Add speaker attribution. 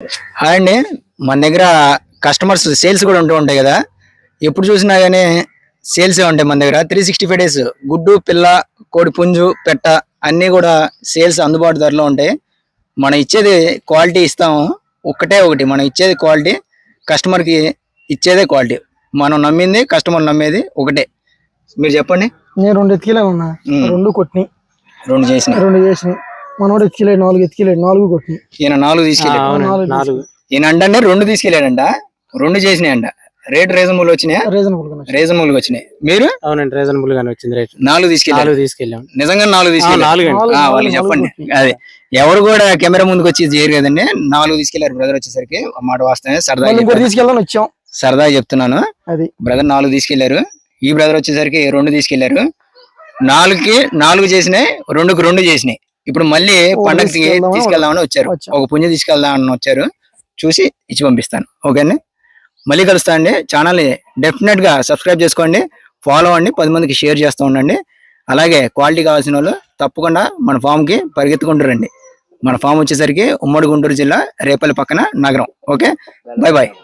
Speaker 1: Hi అండి. మన దగ్గర కస్టమర్స్ సేల్స్ కూడా ఉంటూ ఉంటాయి కదా. ఎప్పుడు చూసినా కానీ సేల్స్ ఉంటాయి మన దగ్గర. 365 డేస్ గుడ్డు, పిల్ల, కోడి పుంజు, పెట్ట అన్నీ కూడా సేల్స్ అందుబాటు ధరలో ఉంటాయి. మనం ఇచ్చేది క్వాలిటీ ఇస్తాము. ఒకటే ఒకటి మనం ఇచ్చేది క్వాలిటీ, కస్టమర్కి ఇచ్చేదే క్వాలిటీ. మనం నమ్మింది, కస్టమర్ నమ్మేది ఒకటే. మీరు చెప్పండి.
Speaker 2: నేను 2 ఎత్తికిలే ఉన్నా, 2 కొట్టినాయి,
Speaker 1: 2 చేసినాయి.
Speaker 2: మనోడు ఎత్తికిలేడు, 4 ఎత్తికిలేడు, 4 కొట్టినాయి.
Speaker 1: ఈయన 4 తీసుకెళ్ళాడు.
Speaker 2: 4
Speaker 1: ఈయన అంటే 2 తీసుకెళ్ళాడంట, 2 చేసినాయంట. రేట్ రీజనబుల్ వచ్చినాయా? రీజనబుల్ గా వచ్చినాయి. మీరు?
Speaker 3: అవునండి, రీజనబుల్ గానే వచ్చింది రేట్.
Speaker 1: 4 తీసుకెళ్ళాం. నిజంగా 4 తీసుకెళ్ళారు. వాళ్ళకి చెప్పండి. అదే ఎవరు కూడా కెమెరా ముందుకు వచ్చి చేయరు కదండి. 4 తీసుకెళ్లారు బ్రదర్. వచ్చేసరికి మాట వాస్తవమే, సరదాగా చెప్తున్నాను. బ్రదర్ 4 తీసుకెళ్లారు. ఈ బ్రదర్ వచ్చేసరికి 2 తీసుకెళ్లారు. 4కి 4 చేసినాయి, 2కి 2 చేసినాయి. ఇప్పుడు మళ్ళీ పండగకి తీసుకెళ్దామని వచ్చారు. ఒక పుంజ తీసుకెళ్దామని వచ్చారు. చూసి ఇచ్చి పంపిస్తాను. ఓకేనా? మళ్ళీ కలుస్తా అండి. ఛానల్ని డెఫినెట్ గా సబ్స్క్రైబ్ చేసుకోండి, ఫాలో అవ్వండి, 10 మందికి షేర్ చేస్తూ ఉండండి. అలాగే క్వాలిటీ కావాల్సిన వాళ్ళు తప్పకుండా మన ఫామ్ కి పరిగెత్తుకుంటూ రండి. మన ఫామ్ వచ్చేసరికి ఉమ్మడి గుంటూరు జిల్లా, రేపల్లి పక్కన నగరం. Okay, bye bye.